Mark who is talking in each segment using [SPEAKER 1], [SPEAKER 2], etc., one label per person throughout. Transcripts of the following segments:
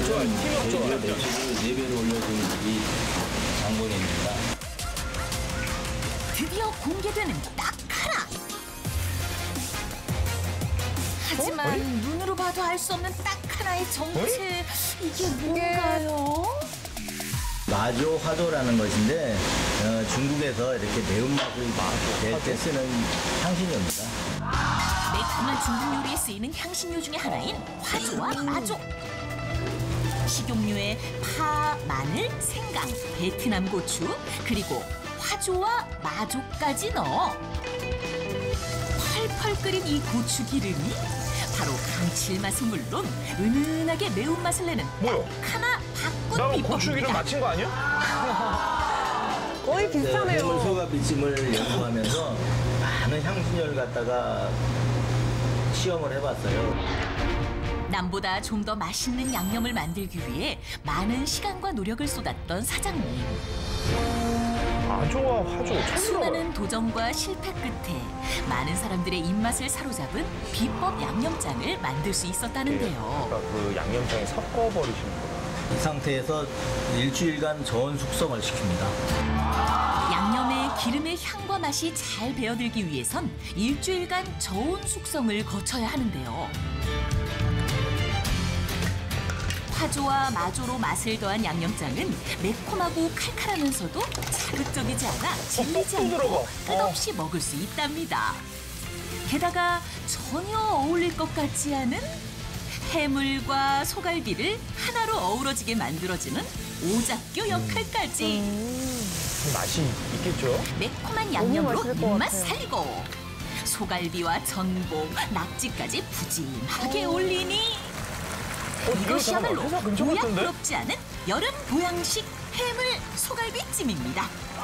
[SPEAKER 1] 매출을 4배로 올려준 이 장본인입니다.
[SPEAKER 2] 드디어 공개되는 딱 하나. 하지만 눈으로 봐도 알 수 없는 딱 하나의 정체. 이게 뭔가요?
[SPEAKER 1] 마조 화조라는 것인데 중국에서 이렇게 매운맛을 낼 때 쓰는 향신료입니다.
[SPEAKER 2] 매콤한 중국 요리에 쓰이는 향신료 중에 하나인 화조와 마조. 식용유에 파, 마늘, 생강, 베트남 고추, 그리고 화조와 마조까지 넣어 펄펄 끓인 이 고추 기름이 바로 감칠맛은 물론 은은하게 매운맛을 내는
[SPEAKER 3] 뭐야?
[SPEAKER 2] 하나 바꾼
[SPEAKER 3] 나
[SPEAKER 2] 비법입니다.
[SPEAKER 3] 고추기름 맞힌 거 아니야?
[SPEAKER 4] 거의 비슷하네요.
[SPEAKER 1] 해물 소가 비침을 연구하면서 많은 향신료를 갖다가 시험을 해봤어요.
[SPEAKER 2] 남보다 좀 더 맛있는 양념을 만들기 위해 많은 시간과 노력을 쏟았던 사장님.
[SPEAKER 3] 마조와 화조 처음 들어봐요.
[SPEAKER 2] 수많은 도전과 실패 끝에 많은 사람들의 입맛을 사로잡은 비법 양념장을 만들 수 있었다는데요.
[SPEAKER 3] 그러니까 그 양념장에 섞어버리시는 거예요.
[SPEAKER 1] 이 상태에서 일주일간 저온 숙성을 시킵니다.
[SPEAKER 2] 양념에 기름의 향과 맛이 잘 배어들기 위해선 일주일간 저온 숙성을 거쳐야 하는데요. 화조와 마조로 맛을 더한 양념장은 매콤하고 칼칼하면서도 자극적이지 않아 질리지 않고 끝없이 먹을 수 있답니다. 게다가 전혀 어울릴 것 같지 않은 해물과 소갈비를 하나로 어우러지게 만들어주는 오작교 역할까지.
[SPEAKER 3] 맛이 있겠죠?
[SPEAKER 2] 매콤한 양념으로
[SPEAKER 4] 맛있을 것
[SPEAKER 2] 입맛
[SPEAKER 4] 같아요.
[SPEAKER 2] 살리고 소갈비와 전복, 낙지까지 푸짐하게 올리니 이것이야말로
[SPEAKER 3] 회사 근처 같은데?
[SPEAKER 2] 보약스럽지 않은 여름 보양식 해물 소갈비찜입니다.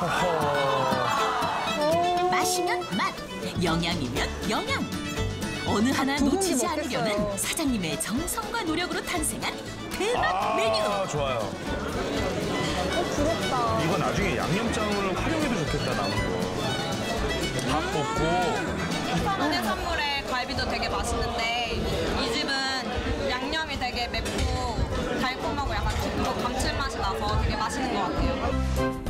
[SPEAKER 2] 맛이면 맛, 영양이면 영양. 어느 하나
[SPEAKER 4] 두
[SPEAKER 2] 놓치지
[SPEAKER 4] 공기
[SPEAKER 2] 않으려는
[SPEAKER 4] 먹겠어요.
[SPEAKER 2] 사장님의 정성과 노력으로 탄생한 대박 메뉴.
[SPEAKER 3] 좋아요.
[SPEAKER 4] 부럽다.
[SPEAKER 3] 이거 나중에 양념장으로 활용해도 좋겠다, 남은 거. 밥 볶고.
[SPEAKER 5] 부산 해산물의 갈비도 되게 맛있는데 이 집은 양념이 되게 맵고 달콤하고 약간 깊고 감칠맛이 나서 되게 맛있는 것 같아요.